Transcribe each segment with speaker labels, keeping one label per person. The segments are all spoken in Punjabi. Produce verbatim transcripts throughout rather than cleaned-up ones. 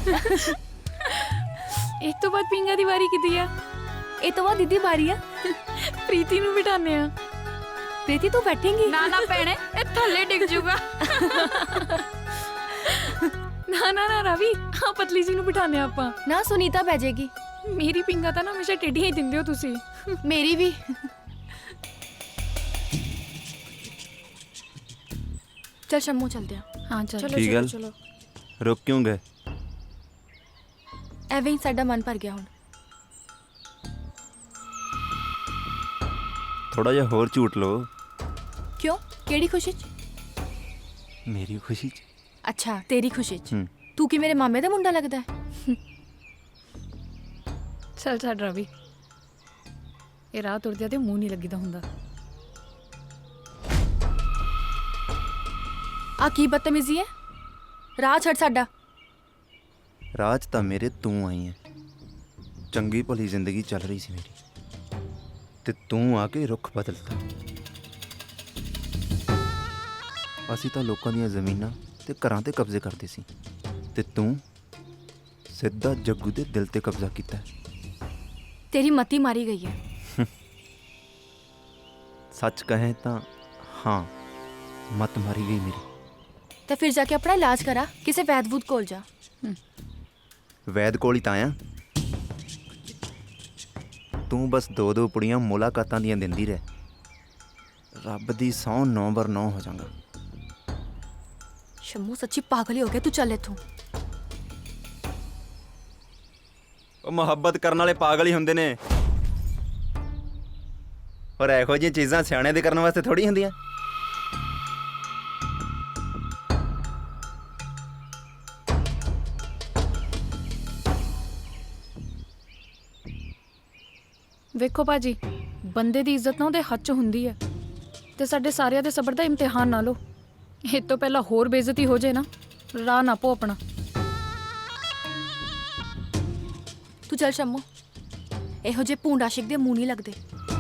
Speaker 1: इस तो बाद पिंगा दी वारी किती आ?
Speaker 2: ਇਹ ਤੋਂ ਬਾਅਦ ਦੀਦੀ ਵਾਰੀ ਆ।
Speaker 1: प्रीति नूं बिठाने आ।
Speaker 2: ਪ੍ਰੀਤੀ ਤੂੰ ਬੈਠੇਂਗੀ?
Speaker 1: ना ना भैणे ए थल्ले डिग जूगा। ना ना ना रवि आ पतली जी नूं बिठाने आपां।
Speaker 2: ਨਾ ਸੁਨੀਤਾ ਬਹਿ ਜਾਏਗੀ।
Speaker 1: मेरी पिंगा तां ना हमेशा टेढ़ियां ही दिंदे हो तुसी।
Speaker 2: ਮੇਰੀ ਵੀ। चल शम्मू चलते हैं।
Speaker 1: हाँ चल
Speaker 2: चलो
Speaker 3: की
Speaker 2: चलो
Speaker 3: गल?
Speaker 2: चलो
Speaker 3: रुक क्यों गए?
Speaker 2: ਐਵੇਂ ਹੀ ਸਾਡਾ ਮਨ ਭਰ ਗਿਆ ਹੁਣ।
Speaker 3: थोड़ा जा होर झूठ लो।
Speaker 2: ਕਿਉਂ? ਕਿਹੜੀ ਖੁਸ਼ੀ 'ਚ?
Speaker 3: मेरी खुशी च।
Speaker 2: ਅੱਛਾ ਤੇਰੀ ਖੁਸ਼ੀ 'ਚ।
Speaker 3: हम्म,
Speaker 2: ਤੂੰ ਕੀ ਮੇਰੇ ਮਾਮੇ ਦਾ ਮੁੰਡਾ ਲੱਗਦਾ ਹੈ?
Speaker 1: चल छड़ रवि ये राह तुरदे ते मूंह नहीं लगीदा हुंदा।
Speaker 2: ਆ ਕੀ ਬਦਤਮੀਜ਼ੀ ਹੈ? ਰਾਹ ਛੱਡ ਸਾਡਾ।
Speaker 3: राज ਤਾਂ ਮੇਰੇ ਤੂੰ ਆਈ ਹੈ। ਚੰਗੀ ਭਲੀ ਜ਼ਿੰਦਗੀ ਚੱਲ ਰਹੀ ਸੀ ਮੇਰੀ ਤੇ ਤੂੰ ਆ ਕੇ ਰੁੱਖ ਬਦਲਤਾ। ਅਸੀਂ ਤਾਂ ਲੋਕਾਂ ਦੀਆਂ ਜ਼ਮੀਨਾਂ ਤੇ ਘਰਾਂ ਤੇ ਕਬਜ਼ੇ ਕਰਦੇ ਸੀ ਤੇ ਤੂੰ ਸਿੱਧਾ ਜੱਗੂ ਦੇ ਦਿਲ ਤੇ ਕਬਜ਼ਾ ਕੀਤਾ।
Speaker 2: ਤੇਰੀ ਮਤੀ ਮਾਰੀ ਗਈ ਹੈ।
Speaker 3: ਸੱਚ ਕਹੇ ਤਾਂ ਹਾਂ, ਮਤ ਮਾਰੀ ਗਈ ਮੇਰੀ।
Speaker 2: ਤੇ ਫਿਰ ਜਾ ਕੇ ਆਪਣਾ ਇਲਾਜ ਕਰਾ, ਕਿਸੇ ਵੈਦ ਵੂਦ ਕੋਲ ਜਾ।
Speaker 3: ਵੈਦ ਕੋਲ ਹੀ ਤਾਂ ਆਇਆ। ਤੂੰ ਬਸ ਦੋ ਦੋ ਪੁੜੀਆਂ ਮੁਲਾਕਾਤਾਂ ਦੀਆਂ ਦਿੰਦੀ ਰਹਿ। ਰੱਬ ਦੀ ਸਹੁੰ ਨੌ ਬਰ ਨੌ ਹੋ ਜਾਵਾਂਗਾ।
Speaker 2: ਸ਼ੰਮੂ ਸੱਚੀ ਪਾਗਲ ਹੀ ਹੋ ਗਿਆ, ਤੂੰ ਚੱਲ ਇੱਥੋਂ।
Speaker 3: ਉਹ ਮੁਹੱਬਤ ਕਰਨ ਵਾਲੇ ਪਾਗਲ ਹੀ ਹੁੰਦੇ ਨੇ, ਔਰ ਇਹੋ ਜਿਹੀਆਂ ਚੀਜ਼ਾਂ ਸਿਆਣੇ ਦੇ ਕਰਨ ਵਾਸਤੇ ਥੋੜੀ ਹੁੰਦੀਆਂ।
Speaker 1: ਵੇਖੋ ਭਾਜੀ ਬੰਦੇ ਦੀ ਇੱਜ਼ਤ ਨਾ ਉਹਦੇ ਹੱਥ 'ਚ ਹੁੰਦੀ ਹੈ ਤੇ ਸਾਡੇ ਸਾਰਿਆਂ ਦੇ ਸਬਰ ਦਾ ਇਮਤਿਹਾਨ ਨਾ ਲਓ। ਇਹ ਤੋਂ ਪਹਿਲਾਂ ਹੋਰ ਬੇਇੱਜ਼ਤੀ ਹੋ ਜਾਏ ਨਾ, ਰਾਹ ਨਾ ਪੋ ਆਪਣਾ।
Speaker 2: ਤੂੰ ਚੱਲ ਸ਼ੰਮੂ, ਇਹੋ ਜਿਹੇ ਭੂੰਡ ਆਸ਼ਿਕ ਦੇ ਮੂੰਹ ਨਹੀਂ ਲੱਗਦੇ।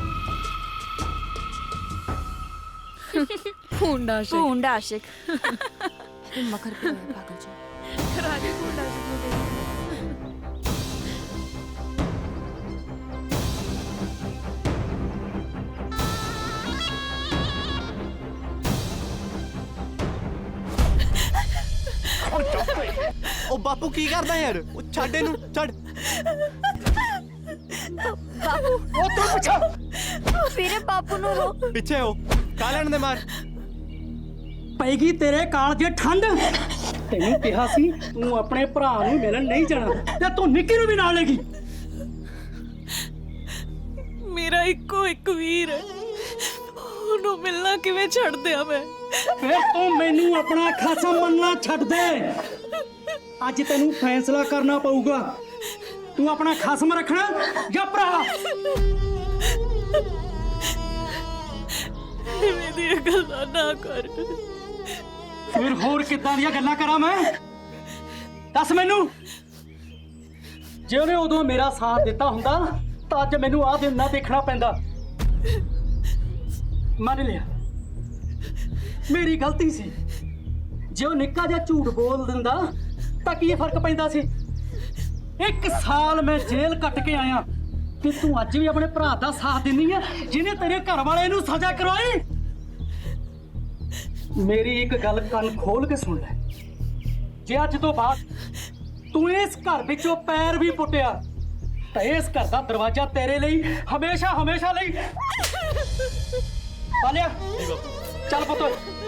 Speaker 1: ਭੂੰਡਾ ਸ਼ੇ
Speaker 2: ਭੂੰਡ ਆਸ਼ਿਕ ਮਖਰ ਪਿਆ ਹੋਇਆ ਪਾਗਲ ਜੀ।
Speaker 1: ਰਾਜੀ ਭੂੰਡਾ ਸ਼ੇ
Speaker 4: ਉਹ ਬਾਪੂ ਕੀ ਕਰਦਾ ਯਾਰ? ਉਹ ਛੱਡ ਇਹਨੂੰ, ਛੱਡ।
Speaker 2: ਬਾਪੂ
Speaker 4: ਉਹ ਤੂੰ ਪਿੱਛੇ
Speaker 2: ਮੇਰੇ ਬਾਪੂ ਨੂੰ ਰੋ।
Speaker 4: ਪਿੱਛੇ ਹੋ, ਕਾ ਲੈਣ ਦੇ ਮਾਰ।
Speaker 5: ਪੈਗੀ ਤੇਰੇ ਕਾਲ ਦੀ ਠੰਡ। ਤੈਨੂੰ ਕਿਹਾ ਸੀ ਤੂੰ ਆਪਣੇ ਭਰਾ ਨੂੰ ਮਿਲਣ ਨਹੀਂ ਜਾਣਾ ਤੇ ਤੂੰ ਨਿੱਕੀ ਨੂੰ ਵੀ ਨਾਲ ਲੈ ਗਈ।
Speaker 1: ਮੇਰਾ ਇੱਕੋ ਇੱਕ ਵੀਰ ਹੈ, ਉਹਨੂੰ ਮਿਲਣਾ ਕਿਵੇਂ ਛੱਡ ਦਿਆਂ ਮੈਂ?
Speaker 5: ਫਿਰ ਤੂੰ ਮੈਨੂੰ ਆਪਣਾ ਖਾਸਾ ਮੰਨਣਾ ਛੱਡ ਦੇ। ਅੱਜ ਤੈਨੂੰ ਫੈਸਲਾ ਕਰਨਾ ਪਊਗਾ, ਤੂੰ ਆਪਣਾ ਖਸਮ ਰੱਖਣਾ ਜਾਂ ਭਰਾ।
Speaker 1: ਇਵੇਂ ਦੀਆਂ ਗੱਲਾਂ ਨਾ ਕਰ।
Speaker 5: ਫਿਰ ਹੋਰ ਕਿੱਦਾਂ ਦੀਆਂ ਗੱਲਾਂ ਕਰਾਂ ਮੈਂ? ਦੱਸ ਮੈਨੂੰ। ਜੇ ਉਹਨੇ ਉਦੋਂ ਮੇਰਾ ਸਾਥ ਦਿੱਤਾ ਹੁੰਦਾ ਤਾਂ ਅੱਜ ਮੈਨੂੰ ਆਹ ਦਿਨ ਨਾ ਦੇਖਣਾ ਪੈਂਦਾ। ਮੰਨ ਲਿਆ ਮੇਰੀ ਗਲਤੀ ਸੀ। ਜੇ ਉਹ ਨਿੱਕਾ ਜਿਹਾ ਝੂਠ ਬੋਲ ਦਿੰਦਾ ਤਾਂ ਕੀ ਫਰਕ ਪੈਂਦਾ ਸੀ? ਇੱਕ ਸਾਲ ਮੈਂ ਜੇਲ੍ਹ ਕੱਟ ਕੇ ਆਇਆ ਤੇ ਤੂੰ ਅੱਜ ਵੀ ਆਪਣੇ ਭਰਾ ਦਾ ਸਾਥ ਦਿੰਦੀ ਹੈ ਜਿਹਨੇ ਤੇਰੇ ਘਰ ਵਾਲੇ ਨੂੰ ਸਜ਼ਾ ਕਰਵਾਈ। ਮੇਰੀ ਇੱਕ ਗੱਲ ਕੰਨ ਖੋਲ ਕੇ ਸੁਣ ਲੈ। ਜੇ ਅੱਜ ਤੋਂ ਬਾਅਦ ਤੂੰ ਇਸ ਘਰ ਵਿੱਚੋਂ ਪੈਰ ਵੀ ਪੁੱਟਿਆ ਤਾਂ ਇਸ ਘਰ ਦਾ ਦਰਵਾਜ਼ਾ ਤੇਰੇ ਲਈ ਹਮੇਸ਼ਾ ਹਮੇਸ਼ਾ ਲਈ ਪਾਲਿਆ। ਚੱਲ ਪੁੱਤ।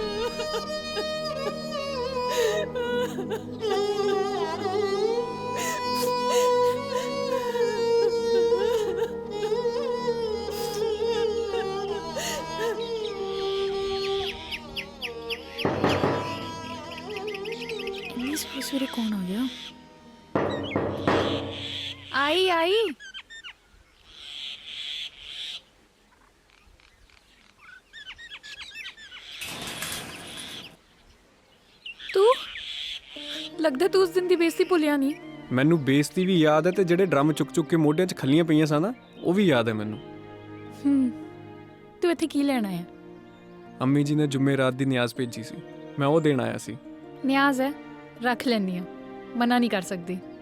Speaker 1: सवेरे कौन आ गया? आई आई तू लगदा तू उस दिन दी बेइज्जती भुलिया नहीं।
Speaker 6: ਮੈਨੂੰ ਬੇਇੱਜ਼ਤੀ ਵੀ ਯਾਦ ਹੈ ਤੇ ਜਿਹੜੇ ਡਰਮ ਚੁੱਕ ਚੁੱਕ ਕੇ ਮੋਢਿਆਂ 'ਚ ਖੱਲੀਆਂ ਪਈਆਂ ਸਨ ਨਾ ਉਹ ਵੀ ਯਾਦ ਹੈ ਮੈਨੂੰ।
Speaker 1: हम्म तू इत्थे की लेना है?
Speaker 6: ਅੰਮੀ ਜੀ ਨੇ ਜੁਮੇਰਾਤ ਦੀ ਨਿਆਜ਼ ਭੇਜੀ ਸੀ, ਮੈਂ ਉਹ ਦੇਣ ਆਇਆ ਸੀ।
Speaker 1: न्याज है रख लेनी है, मना नहीं कर सकती।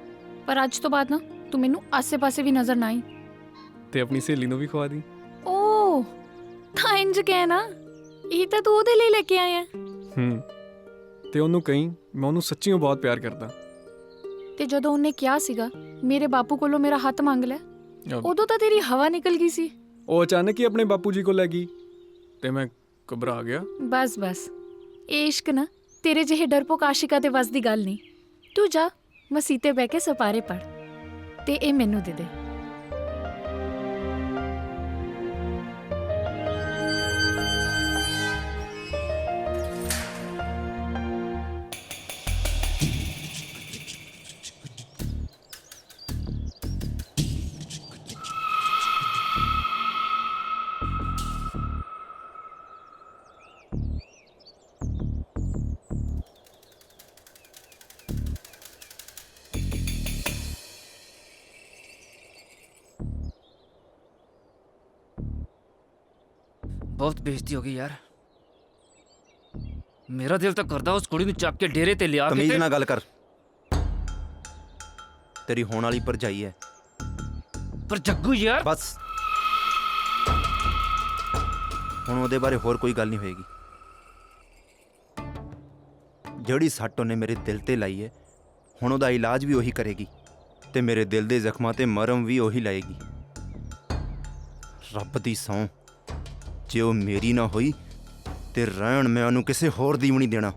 Speaker 1: ਪਰ ਅੱਜ ਤੋਂ ਬਾਅਦ ਨਾ ਤੂੰ ਮੈਨੂੰ ਆਸੇ-ਪਾਸੇ ਵੀ ਨਜ਼ਰ ਨਾ ਆਈ।
Speaker 6: ਤੇ ਆਪਣੀ ਸਹੇਲੀ ਨੂੰ ਵੀ ਖਵਾ ਦੀ।
Speaker 1: ਓ ਤਾਂ ਇੰਜ ਕਹਿ ਨਾ, ਇਹ ਤਾਂ ਤੂੰ ਉਹਦੇ ਲਈ ਲੈ ਕੇ ਆਇਆ।
Speaker 6: ਹੂੰ ਤੇ ਉਹਨੂੰ ਕਹੀਂ ਮੈਂ ਉਹਨੂੰ ਸੱਚੀਓ ਬਹੁਤ ਪਿਆਰ ਕਰਦਾ।
Speaker 1: ਤੇ ਜਦੋਂ ਉਹਨੇ ਕਿਹਾ ਸੀਗਾ ਮੇਰੇ ਬਾਪੂ ਕੋਲੋਂ ਮੇਰਾ ਹੱਥ ਮੰਗ ਲੈ,
Speaker 6: ਅਬ
Speaker 1: ਉਦੋਂ ਤਾਂ ਤੇਰੀ ਹਵਾ ਨਿਕਲ ਗਈ ਸੀ।
Speaker 6: ਉਹ ਅਚਾਨਕ ਹੀ ਆਪਣੇ ਬਾਪੂ ਜੀ ਕੋਲ ਲੈ ਗਈ ਤੇ ਮੈਂ ਘਬਰਾ ਗਿਆ।
Speaker 1: ਬਸ ਬਸ, ਇਹ ਇਸ਼ਕ ਨਾ ਤੇਰੇ ਜਿਹੇ ਡਰਪੋਕ ਆਸ਼ਿਕਾਂ ਦੇ ਵੱਸ ਦੀ ਗੱਲ ਨਹੀਂ। ਤੂੰ ਜਾ ਮਸੀਤੇ ਬਹਿ ਕੇ ਸਪਾਰੇ ਪੜ ਤੇ ਇਹ ਮੈਨੂੰ ਦੇ ਦੇ।
Speaker 7: ਬਹੁਤ ਬੇਇੱਜ਼ਤੀ ਹੋ ਗਈ ਯਾਰ। ਮੇਰਾ ਦਿਲ ਤਾਂ ਕਰਦਾ ਉਸ ਕੁੜੀ ਨੂੰ ਚੱਕ ਕੇ ਡੇਰੇ ਤੇ ਲਿਆ ਕੇ
Speaker 3: ਤਮੀਜ਼
Speaker 7: ਤੇ-
Speaker 3: ਨਾਲ ਗੱਲ ਕਰ। ਤੇਰੀ ਹੋਣ ਵਾਲੀ ਭਰਜਾਈ ਹੈ।
Speaker 7: ਪਰ ਜੱਗੂ ਯਾਰ,
Speaker 3: ਬਸ ਹੁਣ ਉਹਦੇ ਬਾਰੇ ਹੋਰ ਕੋਈ ਗੱਲ ਨਹੀਂ ਹੋਏਗੀ। ਜਿਹੜੀ ਸੱਟ ਉਹਨੇ ਮੇਰੇ ਦਿਲ ਤੇ ਲਾਈ ਹੈ, ਹੁਣ ਉਹਦਾ ਇਲਾਜ ਵੀ ਉਹੀ ਕਰੇਗੀ ਤੇ ਮੇਰੇ ਦਿਲ ਦੇ ਜ਼ਖਮਾਂ ਤੇ ਮਰਮ ਵੀ ਉਹੀ ਲਾਏਗੀ। ਰੱਬ ਦੀ ਸਹੁੰ, ਜੇ ਉਹ ਮੇਰੀ ਨਾ ਹੋਈ ਤੇ ਰਹਿਣ ਮੈਂ ਉਹਨੂੰ ਕਿਸੇ ਹੋਰ ਦੀ ਵੀ ਨਹੀਂ ਦੇਣਾ।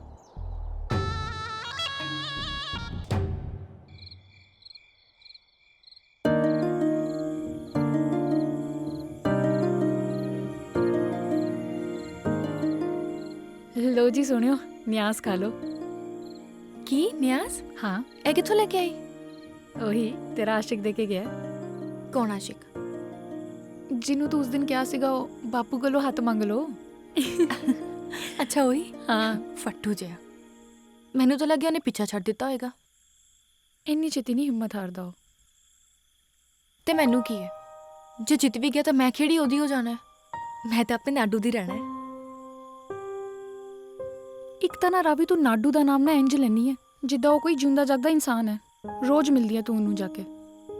Speaker 1: ਲੋ ਜੀ ਸੁਣਿਓ, ਨਿਆਜ਼ ਖਾ ਲੋ।
Speaker 2: ਕੀ ਨਿਆਜ਼?
Speaker 1: ਹਾਂ
Speaker 2: ਇਹ ਕਿੱਥੋਂ ਲੈ ਕੇ ਆਈ?
Speaker 1: ਉਹੀ ਤੇਰਾ ਆਸ਼ਿਕ ਦੇ ਕੇ ਗਿਆ,
Speaker 2: ਕੌਣ ਆਸ਼ਿਕ?
Speaker 1: ਜਿਹਨੂੰ ਤੂੰ ਉਸ ਦਿਨ ਕਿਹਾ ਸੀਗਾ ਉਹ ਬਾਪੂ ਕੋਲੋਂ ਹੱਥ ਮੰਗ ਲੋ।
Speaker 2: ਅੱਛਾ ਹੋਈ
Speaker 1: ਹਾਂ,
Speaker 2: ਫੱਟੂ ਜਿਹਾ। ਮੈਨੂੰ ਤਾਂ ਲੱਗਿਆ ਉਹਨੇ ਪਿੱਛਾ ਛੱਡ ਦਿੱਤਾ ਹੋਏਗਾ।
Speaker 1: ਇੰਨੀ ਛੇਤੀ ਨਹੀਂ ਹਿੰਮਤ ਹਾਰਦਾ ਉਹ।
Speaker 2: ਤੇ ਮੈਨੂੰ ਕੀ ਹੈ, ਜੇ ਜਿੱਤ ਵੀ ਗਿਆ ਤਾਂ ਮੈਂ ਕਿਹੜੀ ਉਹਦੀ ਹੋ ਜਾਣਾ ਹੈ। ਮੈਂ ਤਾਂ ਆਪਣੇ ਨਾਡੂ ਦੀ ਰਹਿਣਾ ਹੈ।
Speaker 1: ਇੱਕ ਤਾਂ ਨਾ ਰਾਵੀ, ਤੂੰ ਨਾਡੂ ਦਾ ਨਾਮ ਨਾ ਇੰਜ ਲੈਣੀ ਹੈ ਜਿੱਦਾਂ ਉਹ ਕੋਈ ਜਿਉਂਦਾ ਜਾਗਦਾ ਇਨਸਾਨ ਹੈ। ਰੋਜ਼ ਮਿਲਦੀ ਹੈ ਤੂੰ ਉਹਨੂੰ ਜਾ ਕੇ।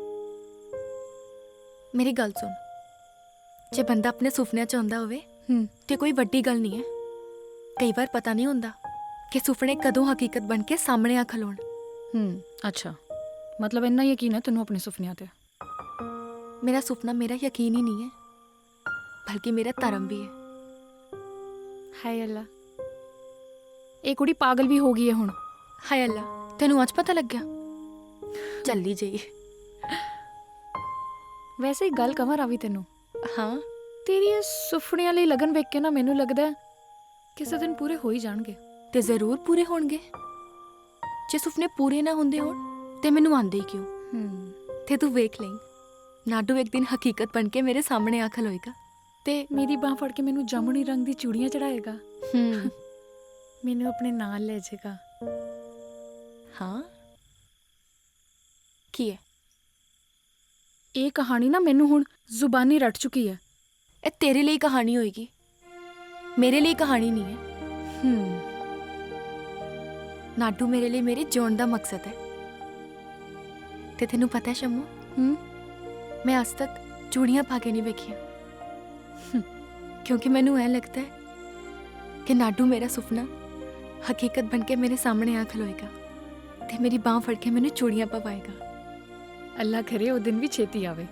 Speaker 2: ਮੇਰੀ ਗੱਲ ਸੁਣ, ਜੇ ਬੰਦਾ ਆਪਣੇ ਸੁਪਨਿਆਂ 'ਚ ਆਉਂਦਾ ਹੋਵੇ
Speaker 1: ਹੂੰ
Speaker 2: ਤੇ ਕੋਈ ਵੱਡੀ ਗੱਲ ਨਹੀਂ ਹੈ। ਕਈ ਵਾਰ ਪਤਾ ਨਹੀਂ ਹੁੰਦਾ ਕਿ ਸੁਪਨੇ ਕਦੋਂ ਹਕੀਕਤ ਬਣ ਕੇ ਸਾਹਮਣੇ ਆ ਖਲੋਣ।
Speaker 1: ਹੂੰ ਅੱਛਾ, ਮਤਲਬ ਇੰਨਾ ਯਕੀਨ ਹੈ ਤੈਨੂੰ ਆਪਣੇ ਸੁਪਨਿਆਂ ਤੇ।
Speaker 2: ਮੇਰਾ ਸੁਪਨਾ ਮੇਰਾ ਯਕੀਨ ਹੀ ਨਹੀਂ ਹੈ, ਬਲਕਿ ਮੇਰਾ ਧਰਮ ਵੀ ਹੈ।
Speaker 1: ਹਾਏ ਅੱਲਾ, ਇਹ ਕੁੜੀ ਪਾਗਲ ਵੀ ਹੋ ਗਈ ਹੈ ਹੁਣ।
Speaker 2: ਹਾਏ ਅੱਲਾ, ਤੈਨੂੰ ਅੱਜ ਪਤਾ ਲੱਗਿਆ? ਚੱਲੀ ਜਾਈ।
Speaker 1: ਵੈਸੇ ਇੱਕ ਗੱਲ ਕਵਾਂ ਰਾਵੀ ਤੈਨੂੰ,
Speaker 2: ਹਾਂ
Speaker 1: ਤੇਰੀ ਇਹ ਸੁਪਨਿਆਂ ਲਈ ਲਗਨ ਵੇਖ ਕੇ ਨਾ ਮੈਨੂੰ ਲੱਗਦਾ ਹੈ ਕਿਸੇ ਦਿਨ ਪੂਰੇ ਹੋ ਹੀ ਜਾਣਗੇ।
Speaker 2: ਤੇ ਜ਼ਰੂਰ ਪੂਰੇ ਹੋਣਗੇ। ਜੇ ਸੁਪਨੇ ਪੂਰੇ ਨਾ ਹੁੰਦੇ ਹੋਣ ਤੇ ਮੈਨੂੰ ਆਂਦੇ ਹੀ ਕਿਉਂ?
Speaker 1: ਹੂੰ
Speaker 2: ਤੇ ਤੂੰ ਵੇਖ ਲਈ, ਨਾਡੂ ਇੱਕ ਦਿਨ ਹਕੀਕਤ ਬਣ ਕੇ ਮੇਰੇ ਸਾਹਮਣੇ ਆ ਖਲੋਏਗਾ।
Speaker 1: ਤੇ ਮੇਰੀ ਬਾਹ ਫੜ ਕੇ ਮੈਨੂੰ ਜਾਮਣੀ ਰੰਗ ਦੀ ਚੂੜੀਆਂ ਚੜਾਏਗਾ,
Speaker 2: ਹੂੰ
Speaker 1: ਮੈਨੂੰ ਆਪਣੇ ਨਾਲ ਲੈ ਜਾਏਗਾ।
Speaker 2: ਹਾਂ ਕੀ ਹੈ
Speaker 1: ਇਹ ਕਹਾਣੀ ਨਾ ਮੈਨੂੰ ਹੁਣ ਜ਼ੁਬਾਨੀ ਰੱਟ ਚੁੱਕੀ ਹੈ।
Speaker 2: ਇਹ ਤੇਰੇ ਲਈ ਕਹਾਣੀ ਹੋਏਗੀ, ਮੇਰੇ ਲਈ ਕਹਾਣੀ ਨਹੀਂ ਹੈ।
Speaker 1: ਹੂੰ
Speaker 2: ਨਾਡੂ ਮੇਰੇ ਲਈ ਮੇਰੇ ਜਿਉਣ ਦਾ ਮਕਸਦ ਹੈ। ਤੇ ਤੈਨੂੰ ਪਤਾ ਹੈ ਸ਼ੰਮੂ,
Speaker 1: ਹੂੰ
Speaker 2: ਮੈਂ ਅੱਜ ਤੱਕ ਚੂੜੀਆਂ ਪਾ ਕੇ ਨਹੀਂ ਵੇਖੀਆਂ, ਕਿਉਂਕਿ ਮੈਨੂੰ ਐ ਲੱਗਦਾ ਹੈ ਕਿ ਨਾਡੂ ਮੇਰਾ ਸੁਪਨਾ ਹਕੀਕਤ ਬਣ ਕੇ ਮੇਰੇ ਸਾਹਮਣੇ ਆ ਖਲੋਏਗਾ ਤੇ ਮੇਰੀ ਬਾਹ ਫੜ ਕੇ ਮੈਨੂੰ ਚੂੜੀਆਂ ਪਵਾਏਗਾ।
Speaker 1: ਅੱਲਾ ਕਰੇ ਉਹ ਦਿਨ ਵੀ ਛੇਤੀ ਆਵੇ।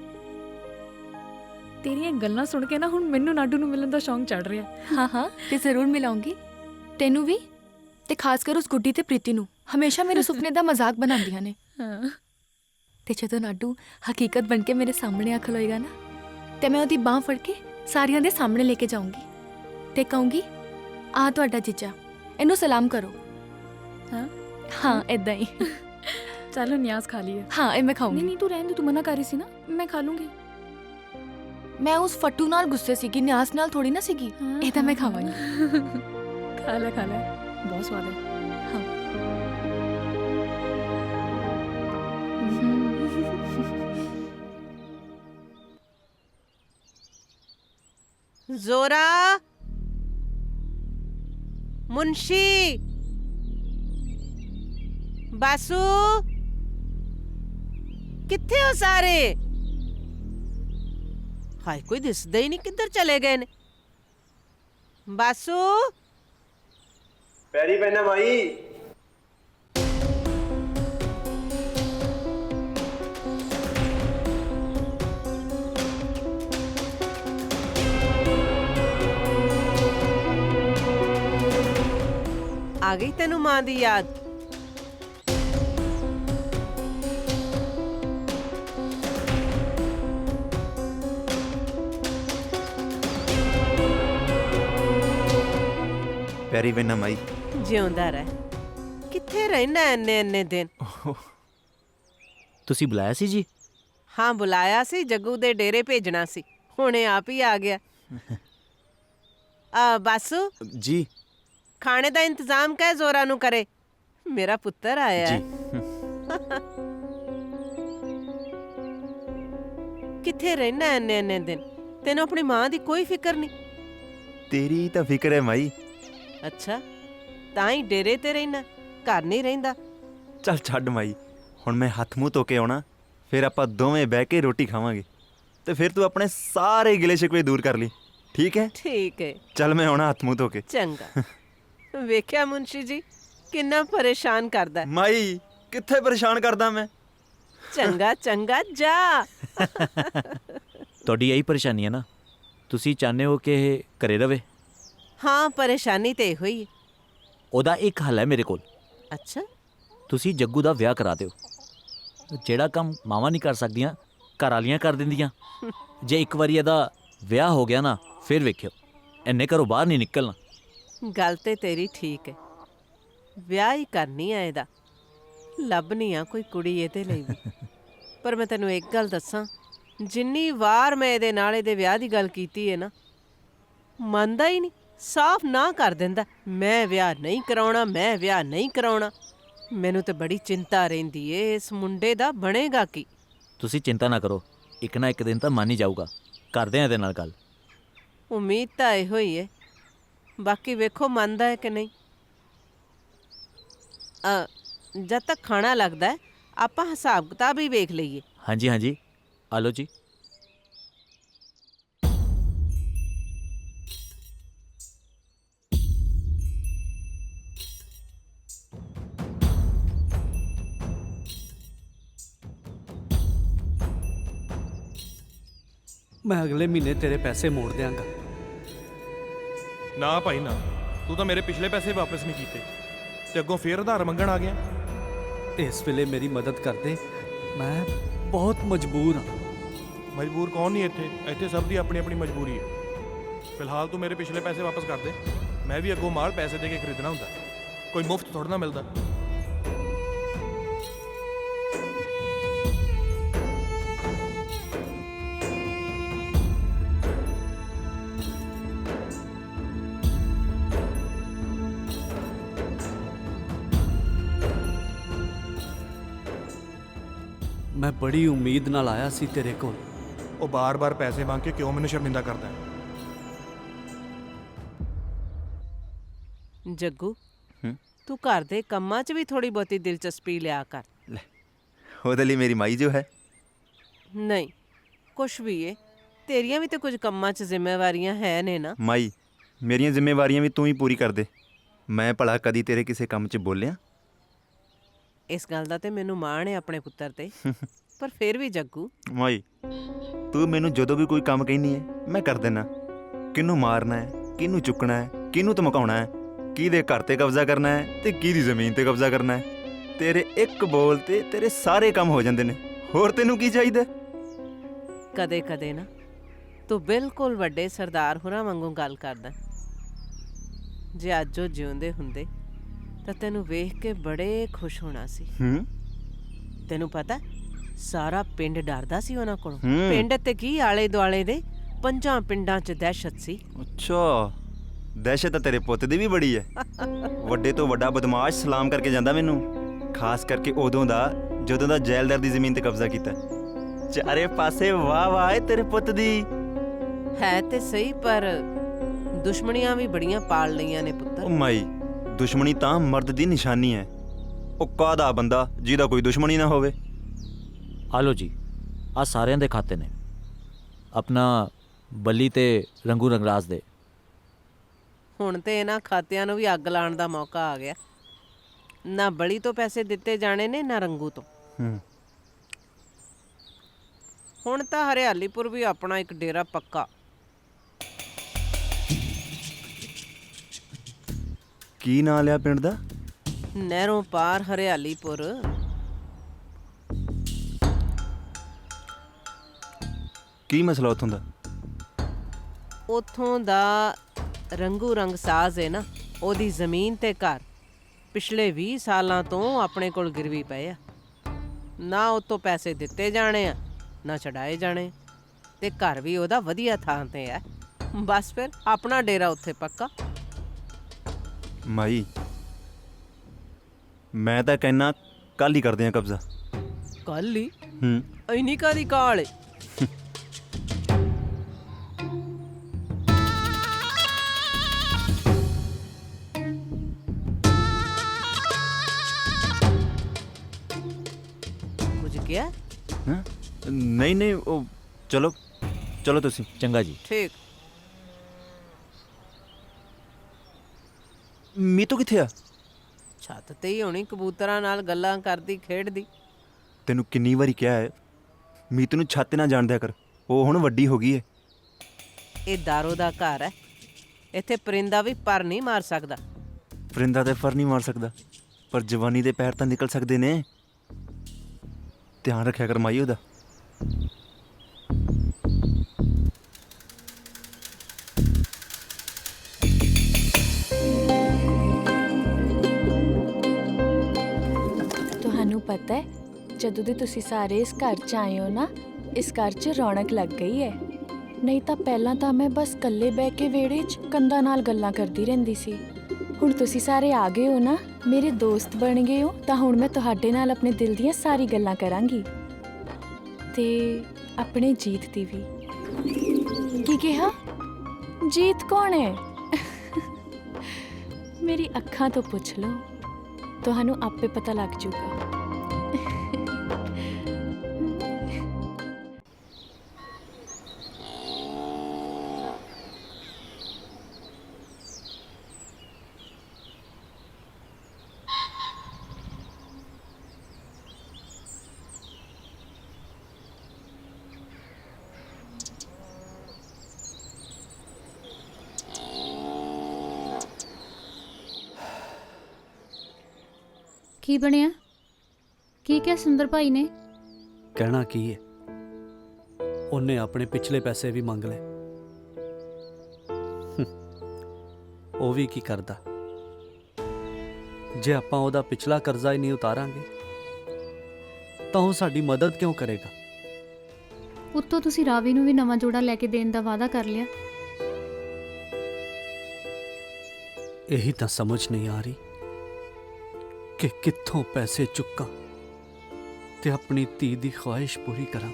Speaker 1: ਤੇਰੀਆਂ ਗੱਲਾਂ ਸੁਣ ਕੇ ਨਾ ਹੁਣ ਮੈਨੂੰ ਨਾਡੂ ਨੂੰ ਮਿਲਣ ਦਾ ਸ਼ੌਂਕ ਚੜ ਰਿਹਾ।
Speaker 2: ਹਾਂ ਹਾਂ ਤੇ ਜ਼ਰੂਰ ਮਿਲਾਉਂਗੀ ਤੈਨੂੰ ਵੀ, ਤੇ ਖਾਸ ਕਰ ਉਸ ਗੁੱਡੀ ਤੇ ਪ੍ਰੀਤੀ ਨੂੰ। ਹਮੇਸ਼ਾ ਮੇਰੇ ਸੁਪਨੇ ਦਾ ਮਜ਼ਾਕ ਬਣਾਉਂਦੀਆਂ ਨੇ।
Speaker 1: ਹਾਂ
Speaker 2: ਤੇ ਜਦੋਂ ਨਾਡੂ ਹਕੀਕਤ ਬਣ ਕੇ ਮੇਰੇ ਸਾਹਮਣੇ ਆ ਖਲੋਏਗਾ ਨਾ, ਤੇ ਮੈਂ ਉਹਦੀ ਬਾਹ ਫੜ ਕੇ ਸਾਰਿਆਂ ਦੇ ਸਾਹਮਣੇ ਲੈ ਕੇ ਜਾਊਂਗੀ ਤੇ ਕਹੂੰਗੀ, ਆਹ ਤੁਹਾਡਾ ਜੀਜਾ, ਇਹਨੂੰ ਸਲਾਮ ਕਰੋ।
Speaker 1: ਹਾਂ
Speaker 2: ਹਾਂ ਏਦਾਂ ਹੀ।
Speaker 1: ਚਲੋ ਨਿਆਜ਼ ਖਾ ਲਈਏ।
Speaker 2: ਹਾਂ ਇਹ ਮੈਂ
Speaker 1: ਨਹੀਂ
Speaker 2: ਖਾਊਂਗੀ।
Speaker 1: ਨਹੀਂ ਤੂੰ ਰਹਿਣ ਦੇ, ਤੂੰ ਮਨਾ ਕਰ ਰਹੀ ਸੀ ਨਾ, ਮੈਂ ਖਾ ਲੂੰਗੀ।
Speaker 2: ਮੈਂ ਉਸ ਫੱਟੂ ਨਾਲ ਗੁੱਸੇ ਸੀਗੀ, ਨਿਆਸ ਨਾਲ ਥੋੜੀ ਨਾ ਸੀਗੀ।
Speaker 1: ਹਾਂ,
Speaker 2: ਇਹ ਤਾਂ ਮੈਂ
Speaker 1: ਹਾਂ,
Speaker 2: ਖਾਵਾਂਗੀ।
Speaker 1: ਖਾ ਲੈ ਖਾ ਲੈ, ਬਹੁਤ ਸਵਾਦ ਹੈ।
Speaker 8: जोरा, मुंशी, बासु, ਕਿੱਥੇ ਹੋ ਸਾਰੇ? ਹਾਏ ਕੋਈ ਦਿਸਦਾ ਹੀ ਨਹੀਂ, ਕਿੱਧਰ ਚਲੇ ਗਏ ਨੇ? ਬਾਸੂ
Speaker 3: ਪੈਰੀ ਪੈਣਾ ਮਾਈ।
Speaker 8: ਆ ਗਈ ਤੈਨੂੰ ਮਾਂ ਦੀ ਯਾਦ?
Speaker 3: ਪੈਰੀ ਪੈਣਾ ਮਾਈ।
Speaker 8: ਜਿਉਂਦਾ ਰਹਿ। ਕਿੱਥੇ ਰਹਿਣਾ ਇੰਨੇ ਇੰਨੇ ਦਿਨ?
Speaker 9: ਤੁਸੀਂ ਬੁਲਾਇਆ ਸੀ ਜੀ?
Speaker 8: ਹਾਂ ਬੁਲਾਇਆ ਸੀ, ਜੱਗੂ ਦੇ ਡੇਰੇ ਭੇਜਣਾ ਸੀ, ਹੁਣੇ ਆਪ ਹੀ ਆ ਗਿਆ। ਆ ਬਾਸੂ
Speaker 3: ਜੀ
Speaker 8: ਖਾਣੇ ਦਾ ਇੰਤਜ਼ਾਮ ਕਹਿ ਜ਼ੋਰਾ ਨੂੰ ਕਰੇ, ਮੇਰਾ ਪੁੱਤਰ ਆਇਆ ਹੈ।
Speaker 3: ਜੀ
Speaker 8: ਕਿੱਥੇ ਰਹਿਣਾ ਇੰਨੇ ਇੰਨੇ ਦਿਨ? ਤੈਨੂੰ ਆਪਣੀ ਮਾਂ ਦੀ ਕੋਈ ਫਿਕਰ ਨਹੀਂ?
Speaker 3: ਤੇਰੀ ਤਾਂ ਫਿਕਰ ਹੈ ਮਾਈ।
Speaker 8: ਅੱਛਾ ਤਾਂ ਹੀ ਡੇਰੇ ਤੇ ਰਹਿਣਾ, ਘਰ ਨਹੀਂ ਰਹਿੰਦਾ?
Speaker 3: ਚੱਲ ਛੱਡ ਮਾਈ, ਹੁਣ ਮੈਂ ਹੱਥ ਮੂੰਹ ਧੋ ਕੇ ਆਉਣਾ, ਫਿਰ ਆਪਾਂ ਦੋਵੇਂ ਬਹਿ ਕੇ ਰੋਟੀ ਖਾਵਾਂਗੇ ਤੇ ਫਿਰ ਤੂੰ ਆਪਣੇ ਸਾਰੇ ਗਿਲੇ ਸ਼ਿਕਵੇ ਦੂਰ ਕਰ ਲਈ, ਠੀਕ ਹੈ?
Speaker 8: ਠੀਕ ਹੈ,
Speaker 3: ਚੱਲ ਮੈਂ ਆਉਣਾ ਹੱਥ ਮੂੰਹ ਧੋ ਕੇ।
Speaker 8: ਚੰਗਾ। ਵੇਖਿਆ ਮੁੰਸ਼ੀ ਜੀ ਕਿੰਨਾ ਪਰੇਸ਼ਾਨ ਕਰਦਾ ਹੈ।
Speaker 3: ਮਾਈ ਕਿੱਥੇ ਪਰੇਸ਼ਾਨ ਕਰਦਾ ਮੈਂ?
Speaker 8: ਚੰਗਾ ਚੰਗਾ ਜਾ।
Speaker 9: ਤੁਹਾਡੀ ਇਹੀ ਪਰੇਸ਼ਾਨੀ ਹੈ ਨਾ? ਤੁਸੀਂ ਚਾਹੁੰਦੇ ਹੋ ਕਿ ਇਹ ਘਰੇ ਰਵੇ?
Speaker 8: ਹਾਂ ਪਰੇਸ਼ਾਨੀ ਤੇ ਇਹੋ ਹੀ ਹੈ।
Speaker 9: ਉਹਦਾ ਇੱਕ ਹੱਲ ਹੈ ਮੇਰੇ ਕੋਲ।
Speaker 8: ਅੱਛਾ
Speaker 9: ਤੁਸੀਂ ਜੱਗੂ ਦਾ ਵਿਆਹ ਕਰਾ ਦਿਓ। ਜਿਹੜਾ ਕੰਮ ਮਾਵਾਂ ਨਹੀਂ ਕਰ ਸਕਦੀਆਂ ਘਰ ਵਾਲੀਆਂ ਕਰ ਦਿੰਦੀਆਂ। ਜੇ ਇੱਕ ਵਾਰੀ ਇਹਦਾ ਵਿਆਹ ਹੋ ਗਿਆ ਨਾ, ਫਿਰ ਵੇਖਿਓ ਇੰਨੇ ਘਰੋਂ ਬਾਹਰ ਨਹੀਂ ਨਿਕਲਣਾ।
Speaker 8: ਗੱਲ ਤੇ ਤੇਰੀ ਠੀਕ ਹੈ, ਵਿਆਹ ਹੀ ਕਰਨੀ ਆ ਇਹਦਾ, ਲੱਭਣੀ ਆ ਕੋਈ ਕੁੜੀ ਇਹਦੇ ਲਈ ਵੀ। ਪਰ ਮੈਂ ਤੈਨੂੰ ਇੱਕ ਗੱਲ ਦੱਸਾਂ, ਜਿੰਨੀ ਵਾਰ ਮੈਂ ਇਹਦੇ ਨਾਲ ਇਹਦੇ ਵਿਆਹ ਦੀ ਗੱਲ ਕੀਤੀ ਹੈ ਨਾ, ਮੰਨਦਾ ਹੀ ਨਹੀਂ, ਸਾਫ਼ ਨਾ ਕਰ ਦਿੰਦਾ। ਮੈਂ ਵਿਆਹ ਨਹੀਂ ਕਰਾਉਣਾ, ਮੈਂ ਵਿਆਹ ਨਹੀਂ ਕਰਾਉਣਾ। ਮੈਨੂੰ ਤੇ ਬੜੀ ਚਿੰਤਾ ਰਹਿੰਦੀ ਏ, ਇਸ ਮੁੰਡੇ ਦਾ ਬਣੇਗਾ ਕੀ?
Speaker 9: ਤੁਸੀਂ ਚਿੰਤਾ ਨਾ ਕਰੋ, ਇੱਕ ਨਾ ਇੱਕ ਦਿਨ ਤਾਂ ਮੰਨ ਹੀ ਜਾਊਗਾ। ਕਰਦੇ ਆ ਇਹਦੇ ਨਾਲ ਗੱਲ।
Speaker 8: ਉਮੀਦ ਤਾਂ ਇਹੋ ਹੀ ਹੈ, ਬਾਕੀ ਵੇਖੋ ਮੰਨਦਾ ਹੈ ਕਿ ਨਹੀਂ। ਅ ਜਦ ਤੱਕ ਖਾਣਾ ਲੱਗਦਾ ਹੈ ਆਪਾਂ ਹਿਸਾਬ ਕਿਤਾਬ ਹੀ ਵੇਖ ਲਈਏ।
Speaker 9: ਹਾਂਜੀ ਹਾਂਜੀ ਆ ਲਓ ਜੀ।
Speaker 5: ਮੈਂ ਅਗਲੇ ਮਹੀਨੇ ਤੇਰੇ ਪੈਸੇ ਮੋੜ ਦਿਆਂਗਾ।
Speaker 10: ਨਾ ਭਾਈ ਨਾ, ਤੂੰ ਤਾਂ ਮੇਰੇ ਪਿਛਲੇ ਪੈਸੇ ਵਾਪਸ ਨਹੀਂ ਕੀਤੇ ਤੇ ਅੱਗੋਂ ਫੇਰ ਉਧਾਰ ਮੰਗਣ ਆ ਗਿਆ।
Speaker 5: ਇਸ ਵੇਲੇ ਮੇਰੀ ਮਦਦ ਕਰ ਦੇ, ਮੈਂ ਬਹੁਤ ਮਜਬੂਰ ਹਾਂ।
Speaker 10: ਮਜਬੂਰ ਕੌਣ ਨਹੀਂ ਇੱਥੇ, ਇੱਥੇ ਸਭ ਦੀ ਆਪਣੀ ਆਪਣੀ ਮਜਬੂਰੀ ਹੈ। ਫਿਲਹਾਲ ਤੂੰ ਮੇਰੇ ਪਿਛਲੇ ਪੈਸੇ ਵਾਪਸ ਕਰ ਦੇ, ਮੈਂ ਵੀ ਅੱਗੋਂ ਮਾਲ ਪੈਸੇ ਦੇ ਕੇ ਖਰੀਦਣਾ ਹੁੰਦਾ, ਕੋਈ ਮੁਫਤ ਥੋੜਾ ਨਾ ਮਿਲਦਾ।
Speaker 5: ਮੈਂ ਬੜੀ ਉਮੀਦ ਨਾਲ ਆਇਆ ਸੀ ਤੇਰੇ ਕੋਲ।
Speaker 10: ਉਹ ਬਾਰ-ਬਾਰ ਪੈਸੇ ਮੰਗ ਕੇ ਕਿਉਂ ਮੈਨੂੰ ਸ਼ਰਮਿੰਦਾ ਕਰਦਾ ਹੈ?
Speaker 8: ਜੱਗੂ
Speaker 3: ਹੂੰ?
Speaker 8: ਤੂੰ ਘਰ ਦੇ ਕੰਮਾਂ 'ਚ ਵੀ ਥੋੜੀ ਬਹੁਤੀ ਦਿਲਚਸਪੀ ਲਿਆ ਕਰ।
Speaker 3: ਲੈ, ਉਹਦੇ ਲਈ ਮੇਰੀ ਮਾਈ ਜੋ ਹੈ।
Speaker 8: ਨਹੀਂ ਕੁਛ ਵੀ ਏ, ਤੇਰੀਆਂ ਵੀ ਤੇ ਕੁਝ ਕੰਮਾਂ 'ਚ ਜ਼ਿੰਮੇਵਾਰੀਆਂ ਹੈ ਨੇ ਨਾ।
Speaker 3: ਮਾਈ ਮੇਰੀਆਂ ਜ਼ਿੰਮੇਵਾਰੀਆਂ ਵੀ ਤੂੰ ਹੀ ਪੂਰੀ ਕਰ ਦੇ। ਮੈਂ ਭਲਾ ਕਦੀ ਤੇਰੇ ਕਿਸੇ ਕੰਮ 'ਚ ਬੋਲਿਆ?
Speaker 8: ਇਸ ਗੱਲ ਦਾ ਤੇ ਮੈਨੂੰ ਮਾਣ ਹੈ ਆਪਣੇ ਪੁੱਤਰ ਤੇ, ਪਰ ਫਿਰ ਵੀ ਜੱਗੂ
Speaker 3: ਮਾਈ ਤੂੰ ਮੈਨੂੰ ਜਦੋਂ ਵੀ ਕੋਈ ਕੰਮ ਕਹਿੰਦੀ ਹੈ ਮੈਂ ਕਰ ਦੇਣਾ। ਕਿਹਨੂੰ ਮਾਰਨਾ ਹੈ, ਕਿਹਨੂੰ ਚੁੱਕਣਾ ਹੈ, ਕਿਹਨੂੰ ਧਮਕਾਉਣਾ ਹੈ, ਕਿਹਦੇ ਘਰ ਤੇ ਕਬਜ਼ਾ ਕਰਨਾ ਹੈ ਤੇ ਕਿਹਦੀ ਜ਼ਮੀਨ ਤੇ ਕਬਜ਼ਾ ਕਰਨਾ ਹੈ। ਤੇਰੇ ਇੱਕ ਬੋਲ ਤੇ ਤੇਰੇ ਸਾਰੇ ਕੰਮ ਹੋ ਜਾਂਦੇ ਨੇ। ਹੋਰ ਤੈਨੂੰ ਕੀ ਚਾਹੀਦਾ?
Speaker 8: ਕਦੇ ਕਦੇ ਨਾ ਤੂੰ ਬਿਲਕੁਲ ਵੱਡੇ ਸਰਦਾਰ ਹੋਰਾਂ ਵਾਂਗੂ ਗੱਲ ਕਰਦਾ। ਜੇ ਅੱਜ ਉਹ ਜਿਉਂਦੇ ਹੁੰਦੇ ਤਾਂ ਤੈਨੂੰ ਵੇਖ ਕੇ ਬੜੇ ਖੁਸ਼ ਹੋਣਾ ਸੀ।
Speaker 3: ਹੂੰ?
Speaker 8: ਤੈਨੂੰ ਪਤਾ ਸਾਰਾ ਪਿੰਡ ਡਰਦਾ ਸੀ ਉਹਨਾਂ ਕੋਲੋਂ।
Speaker 3: ਹੂੰ।
Speaker 8: ਪਿੰਡ ਤੇ ਕੀ ਆਲੇ ਦੁਆਲੇ ਦੇ ਪੰਜਾਂ ਪਿੰਡਾਂ 'ਚ ਦਹਿਸ਼ਤ ਸੀ।
Speaker 3: ਅੱਛਾ, ਦਹਿਸ਼ਤ ਤਾਂ ਤੇਰੇ ਪੁੱਤ ਦੀ ਵੀ ਬੜੀ ਹੈ। ਵੱਡੇ ਤੋਂ ਵੱਡਾ ਬਦਮਾਸ਼ ਸਲਾਮ ਕਰਕੇ ਜਾਂਦਾ ਮੈਨੂੰ, ਖਾਸ ਕਰਕੇ ਉਦੋਂ ਦਾ ਜਦੋਂ ਦਾ ਜੈਲਦਾਰ ਦੀ ਜ਼ਮੀਨ ਤੇ ਕਬਜ਼ਾ ਕੀਤਾ। ਚਾਰੇ ਪਾਸੇ ਵਾਹ ਵਾਹ ਏ ਤੇਰੇ ਪੁੱਤ ਦੀ।
Speaker 8: ਹੈ ਤੇ ਸਹੀ, ਪਰ ਦੁਸ਼ਮਣੀਆਂ ਵੀ ਬੜੀਆਂ ਪਾਲ ਲਈਆਂ ਨੇ
Speaker 3: ਉਹ
Speaker 8: ਪੁੱਤਰ।
Speaker 3: ਮਾਈ ਦੁਸ਼ਮਣੀ ਤਾਂ ਮਰਦ ਦੀ ਨਿਸ਼ਾਨੀ ਹੈ। ਉਹ ਕਾਹਦਾ ਬੰਦਾ ਜਿਹਦਾ ਕੋਈ ਦੁਸ਼ਮਣੀ ਨਾ ਹੋਵੇ।
Speaker 9: ਆ ਲਓ ਜੀ, ਆ ਸਾਰਿਆਂ ਦੇ ਖਾਤੇ ਨੇ, ਆਪਣਾ ਬੱਲੀ ਤੇ ਰੰਗੂ ਰੰਗਰਾਜ ਦੇ।
Speaker 8: ਹੁਣ ਤੇ ਇਹਨਾਂ ਖਾਤਿਆਂ ਨੂੰ ਵੀ ਅੱਗ ਲਾਉਣ ਦਾ ਮੌਕਾ ਆ ਗਿਆ। ਨਾ ਬਲੀ ਤੋਂ ਪੈਸੇ ਦਿੱਤੇ ਜਾਣੇ ਨੇ, ਨਾ ਰੰਗੂ ਤੋਂ।
Speaker 3: ਹੂੰ
Speaker 8: ਹੁਣ ਤਾਂ ਹਰਿਆਲੀਪੁਰ ਵੀ ਆਪਣਾ ਇੱਕ ਡੇਰਾ ਪੱਕਾ।
Speaker 3: ਕੀ ਨਾਂ ਲਿਆ ਪਿੰਡ ਦਾ?
Speaker 8: ਨਹਿਰੋਂ ਪਾਰ ਹਰਿਆਲੀਪੁਰ।
Speaker 3: ਕੀ ਮਸਲਾ ਉੱਥੋਂ ਦਾ?
Speaker 8: ਉਥੋਂ ਦਾ ਰੰਗੂ ਰੰਗ ਸਾਜ਼ ਹੈ ਨਾ, ਉਹਦੀ ਜ਼ਮੀਨ ਤੇ ਘਰ ਪਿਛਲੇ ਵੀਹ ਸਾਲਾਂ ਤੋਂ ਆਪਣੇ ਕੋਲ ਗਿਰਵੀ ਪਏ ਆ। ਨਾ ਉਤੋਂ ਪੈਸੇ ਦਿੱਤੇ ਜਾਣੇ ਆ, ਨਾ ਛਡਾਏ ਜਾਣੇ, ਤੇ ਘਰ ਵੀ ਉਹਦਾ ਵਧੀਆ ਥਾਂ ਤੇ ਆ। ਬਸ ਫਿਰ ਆਪਣਾ ਡੇਰਾ ਉੱਥੇ ਪੱਕਾ।
Speaker 3: ਮਾਈ ਮੈਂ ਤਾਂ ਕਹਿਣਾ ਕੱਲ ਹੀ ਕਰਦੇ ਆ ਕਬਜ਼ਾ।
Speaker 8: ਕੱਲ ਹੀ?
Speaker 3: ਹੂੰ
Speaker 8: ਇੰਨੀ ਕਾਹਦੀ ਕਾਹਲ ਏ? ਕੁਝ ਕਿਹਾ?
Speaker 3: ਹੈਂ? ਨਹੀਂ ਨਹੀਂ ਉਹ ਚਲੋ ਚਲੋ ਤੁਸੀਂ।
Speaker 9: ਚੰਗਾ ਜੀ।
Speaker 8: ਠੀਕ।
Speaker 3: ਮੀਤੂ ਕਿੱਥੇ ਆ?
Speaker 8: ਛੱਤ ਤੇ ਹੀ ਹੋਣੀ, ਕਬੂਤਰਾਂ ਨਾਲ ਗੱਲਾਂ ਕਰਦੀ ਖੇਡਦੀ।
Speaker 3: ਤੈਨੂੰ ਕਿੰਨੀ ਵਾਰੀ ਕਿਹਾ ਹੈ ਮੀਤੂ ਨੂੰ ਛੱਤ ਨਾ ਜਾਣ ਦਿਆ ਕਰ, ਉਹ ਹੁਣ ਵੱਡੀ ਹੋ ਗਈ ਹੈ।
Speaker 8: ਇਹ ਦਾਰੋ ਦਾ ਘਰ ਹੈ, ਇੱਥੇ ਪਰਿੰਦਾ ਵੀ ਪਰ ਨਹੀਂ ਮਾਰ ਸਕਦਾ।
Speaker 3: ਪਰਿੰਦਾ ਤੇ ਫਰ ਨਹੀਂ ਮਾਰ ਸਕਦਾ, ਪਰ ਜਵਾਨੀ ਦੇ ਪੈਰ ਤਾਂ ਨਿਕਲ ਸਕਦੇ ਨੇ। ਧਿਆਨ ਰੱਖਿਆ ਕਰ ਮਾਈ ਉਹਦਾ।
Speaker 2: ਤੁਹਾਨੂੰ ਪਤਾ ਹੈ, ਜਦੋਂ ਦੇ ਤੁਸੀਂ ਸਾਰੇ ਇਸ ਘਰ 'ਚ ਆਏ ਹੋ ਨਾ, ਇਸ ਘਰ 'ਚ ਰੌਣਕ ਲੱਗ ਗਈ ਹੈ। ਨਹੀਂ ਤਾਂ ਪਹਿਲਾਂ ਤਾਂ ਮੈਂ ਬਸ ਇਕੱਲੇ ਬਹਿ ਕੇ ਵਿਹੜੇ 'ਚ ਕੰਧਾਂ ਨਾਲ ਗੱਲਾਂ ਕਰਦੀ ਰਹਿੰਦੀ ਸੀ। ਹੁਣ ਤੁਸੀਂ ਸਾਰੇ ਆ ਗਏ ਹੋ ਨਾ, ਮੇਰੇ ਦੋਸਤ ਬਣ ਗਏ ਹੋ, ਤਾਂ ਹੁਣ ਮੈਂ ਤੁਹਾਡੇ ਨਾਲ ਆਪਣੇ ਦਿਲ ਦੀਆਂ ਸਾਰੀ ਗੱਲਾਂ ਕਰਾਂਗੀ, ਤੇ ਆਪਣੇ ਜੀਤ ਦੀ ਵੀ। ਕੀ ਕਿਹਾ? ਜੀਤ ਕੌਣ ਹੈ? ਮੇਰੀ ਅੱਖਾਂ ਤੋਂ ਪੁੱਛ ਲਓ, ਤੁਹਾਨੂੰ ਆਪੇ ਪਤਾ ਲੱਗ ਜਾਊਗਾ।
Speaker 1: ਕੀ ਬਣਿਆ? ਕੀ ਕਿਹਾ ਸੁੰਦਰ ਭਾਈ ਨੇ?
Speaker 5: ਕਹਿਣਾ ਕੀ ਹੈ, ਉਹਨੇ ਆਪਣੇ ਪਿਛਲੇ ਪੈਸੇ ਵੀ ਮੰਗ ਲਏ। ਉਹ ਵੀ ਕੀ ਕਰਦਾ, ਜੇ ਆਪਾਂ ਉਹਦਾ ਪਿਛਲਾ ਕਰਜ਼ਾ ਹੀ ਨਹੀਂ ਉਤਾਰਾਂਗੇ ਤਾਂ ਉਹ ਸਾਡੀ ਮਦਦ ਕਿਉਂ ਕਰੇਗਾ?
Speaker 1: ਉੱਤੋਂ ਤੁਸੀਂ ਰਾਵੀ ਨੂੰ ਵੀ ਨਵਾਂ ਜੋੜਾ ਲੈ ਕੇ ਦੇਣ ਦਾ ਵਾਅਦਾ ਕਰ ਲਿਆ।
Speaker 5: ਇਹੀ ਤਾਂ ਸਮਝ ਨਹੀਂ ਆ ਰਹੀ ਕਿ ਕਿੱਥੋਂ ਪੈਸੇ ਚੁੱਕਾਂ ਤੇ ਆਪਣੀ ਧੀ ਦੀ ਖੁਆਇਸ਼ ਪੂਰੀ ਕਰਾਂ।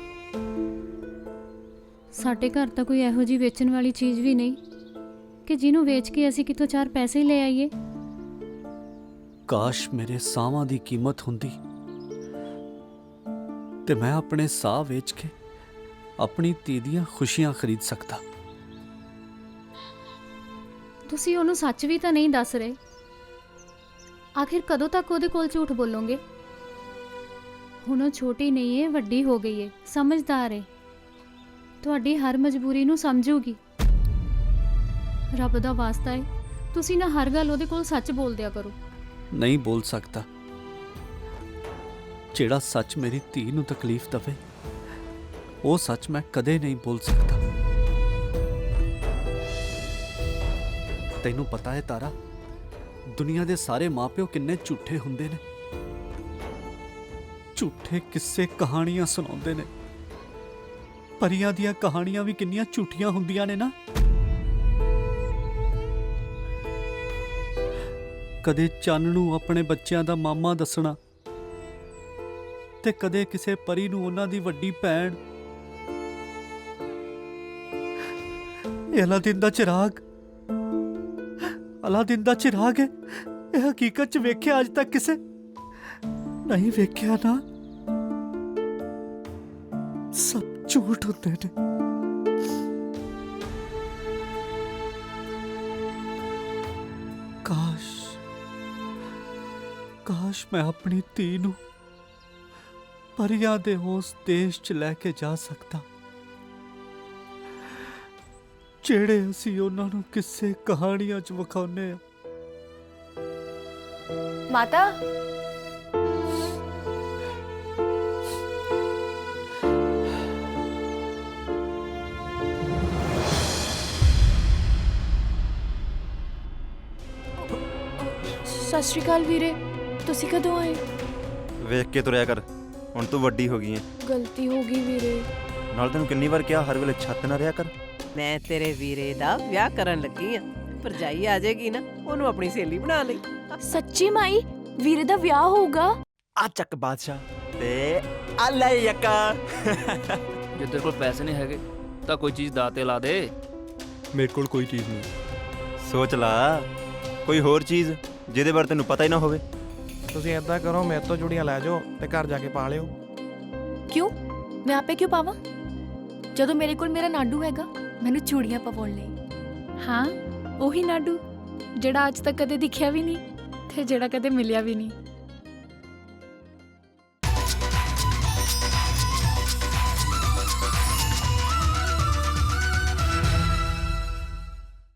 Speaker 1: ਸਾਡੇ ਘਰ ਤਾਂ ਕੋਈ ਇਹੋ ਜਿਹੀ ਵੇਚਣ ਵਾਲੀ ਚੀਜ਼ ਵੀ ਨਹੀਂ ਕਿ ਜਿਹਨੂੰ ਵੇਚ ਕੇ ਅਸੀਂ ਕਿਤੋਂ ਚਾਰ ਪੈਸੇ ਹੀ ਲੈ ਆਈਏ।
Speaker 5: ਕਾਸ਼ ਮੇਰੇ ਸਾਹਾਂ ਦੀ ਕੀਮਤ ਹੁੰਦੀ ਤੇ ਮੈਂ ਆਪਣੇ ਸਾਹ ਵੇਚ ਕੇ ਆਪਣੀ ਧੀ ਦੀਆਂ ਖੁਸ਼ੀਆਂ ਖਰੀਦ ਸਕਦਾ।
Speaker 1: ਤੁਸੀਂ ਉਹਨੂੰ ਸੱਚ ਵੀ ਤਾਂ ਨਹੀਂ ਦੱਸ ਰਹੇ। ਆਖਿਰ ਕਦੋਂ ਤੱਕ ਉਹਦੇ ਕੋਲ ਝੂਠ ਬੋਲੋਗੇ? ਹੁਣ ਉਹ ਛੋਟੀ ਨਹੀਂ ਏ, ਵੱਡੀ ਹੋ ਗਈ ਏ, ਸਮਝਦਾਰ ਏ, ਤੁਹਾਡੀ ਹਰ ਮਜਬੂਰੀ ਨੂੰ ਸਮਝੂਗੀ। ਰੱਬ ਦਾ ਵਾਸਤਾ ਏ, ਤੁਸੀਂ ਨਾ ਹਰ ਗੱਲ ਉਹਦੇ ਕੋਲ ਸੱਚ ਬੋਲ ਦਿਆ ਕਰੋ।
Speaker 5: ਨਹੀਂ ਬੋਲ ਸਕਦਾ। ਜਿਹੜਾ ਸੱਚ ਮੇਰੀ ਧੀ ਨੂੰ ਤਕਲੀਫ ਦਵੇ, ਉਹ ਸੱਚ ਮੈਂ ਕਦੇ ਨਹੀਂ ਬੋਲ ਸਕਦਾ। ਤੈਨੂੰ ਪਤਾ ਹੈ ਤਾਰਾ, ਦੁਨੀਆ ਦੇ ਸਾਰੇ ਮਾਪਿਓ ਕਿੰਨੇ ਝੂਠੇ ਹੁੰਦੇ ਨੇ। ਝੂਠੇ ਕਿੱਸੇ ਕਹਾਣੀਆਂ ਸੁਣਾਉਂਦੇ ਨੇ। ਪਰੀਆਂ ਦੀਆਂ ਕਹਾਣੀਆਂ ਵੀ ਕਿੰਨੀਆਂ ਝੂਠੀਆਂ ਹੁੰਦੀਆਂ ਨੇ ਨਾ। ਕਦੇ ਚੰਨ ਨੂੰ ਆਪਣੇ ਬੱਚਿਆਂ ਦਾ ਮਾਮਾ ਦੱਸਣਾ ਤੇ ਕਦੇ ਕਿਸੇ ਪਰੀ ਨੂੰ ਉਹਨਾਂ ਦੀ ਵੱਡੀ ਭੈਣ। ਇਹ ਅਲਾਦੀਨ ਦਾ ਚਿਰਾਗ, ਅਲਾਦੀਨ ਦਾ ਚਿਰਾਗ ਹੈ। ਇਹ ਹਕੀਕਤ 'ਚ ਵੇਖਿਆ ਅੱਜ ਤੱਕ ਕਿਸੇ ਨਹੀਂ ਵੇਖਿਆ ਨਾ। ਸਭ ਝੂਠ ਹੁੰਦੇ ਨੇ। ਕਾਸ਼ ਕਾਸ਼ ਮੈਂ ਆਪਣੀ ਧੀ ਨੂੰ ਪਰੀਆਂ ਦੇ ਉਸ ਦੇਸ਼ 'ਚ ਲੈ ਕੇ ਜਾ ਸਕਦਾ ਜਿਹੜੇ ਅਸੀਂ ਉਹਨਾਂ ਨੂੰ ਕਿਸੇ ਕਹਾਣੀਆਂ 'ਚ ਵਿਖਾਉਂਦੇ ਆ।
Speaker 2: ਮਾਤਾ ਸਤਿ ਸ਼੍ਰੀ ਅਕਾਲ ਵੀਰੇ, ਤੁਸੀਂ ਕਦੋਂ ਆਏ?
Speaker 3: ਵੇਖ ਕੇ ਤੁਰਿਆ ਕਰ, ਹੁਣ ਤੂੰ ਵੱਡੀ ਹੋ ਗਈ ਹੈ।
Speaker 2: ਗਲਤੀ ਹੋ ਗਈ ਵੀਰੇ।
Speaker 3: ਨਾਲ ਤੈਨੂੰ ਕਿੰਨੀ ਵਾਰ ਕਿਹਾ ਹਰ ਵੇਲੇ ਛੱਤ ਨਾ ਰਿਹਾ ਕਰ।
Speaker 8: ਮੈਂ ਤੇਰੇ ਵੀਰੇ ਦਾ ਵਿਆਹ ਕਰਨ ਲੱਗੀ ਆ। ਭਰਜਾਈ ਆ ਜਾਏਗੀ ਨਾ, ਉਹਨੂੰ ਆਪਣੀ ਸਹੇਲੀ ਬਣਾ ਲਈ।
Speaker 2: ਸੱਚੀ ਮਾਈ, ਵੀਰੇ ਦਾ ਵਿਆਹ ਹੋਊਗਾ?
Speaker 3: ਆ ਚੱਕ ਬਾਦਸ਼ਾਹ ਤੇ ਆ ਲੈ ਯੱਕਾ।
Speaker 7: ਜੇ ਤੇਰੇ ਕੋਲ ਪੈਸੇ ਨਹੀਂ ਹੈਗੇ ਤਾਂ ਕੋਈ ਚੀਜ਼ ਦਾਅ ਤੇ ਲਾ ਦੇ।
Speaker 6: ਮੇਰੇ ਕੋਲ ਕੋਈ ਚੀਜ਼ ਨਹੀਂ।
Speaker 3: ਸੋਚ ਲਾ ਕੋਈ ਹੋਰ ਚੀਜ਼ ਜਿਹਦੇ ਬਾਰੇ ਤੈਨੂੰ ਪਤਾ ਹੀ ਨਾ ਹੋਵੇ।
Speaker 10: ਤੁਸੀਂ ਏਦਾਂ ਕਰੋ, ਮੇਰੇ ਤੋਂ ਚੂੜੀਆਂ ਲੈ ਜਾਓ ਤੇ ਘਰ ਜਾ ਕੇ ਪਾ ਲਿਓ।
Speaker 2: ਕਿਉਂ? ਮੈਂ ਆਪੇ ਕਿਉਂ ਪਾਵਾਂ ਜਦੋਂ ਮੇਰੇ ਕੋਲ ਮੇਰਾ ਨਾਡੂ ਹੈਗਾ ਮੈਨੂੰ ਚੂੜੀਆਂ ਪਵਾਉਣ ਲਈ।
Speaker 1: ਹਾਂ, ਉਹੀ ਨਾਡੂ ਜਿਹੜਾ ਅੱਜ ਤੱਕ ਕਦੇ ਦਿਖਿਆ ਵੀ ਨਹੀਂ ਤੇ ਜਿਹੜਾ ਕਦੇ ਮਿਲਿਆ ਵੀ ਨਹੀਂ।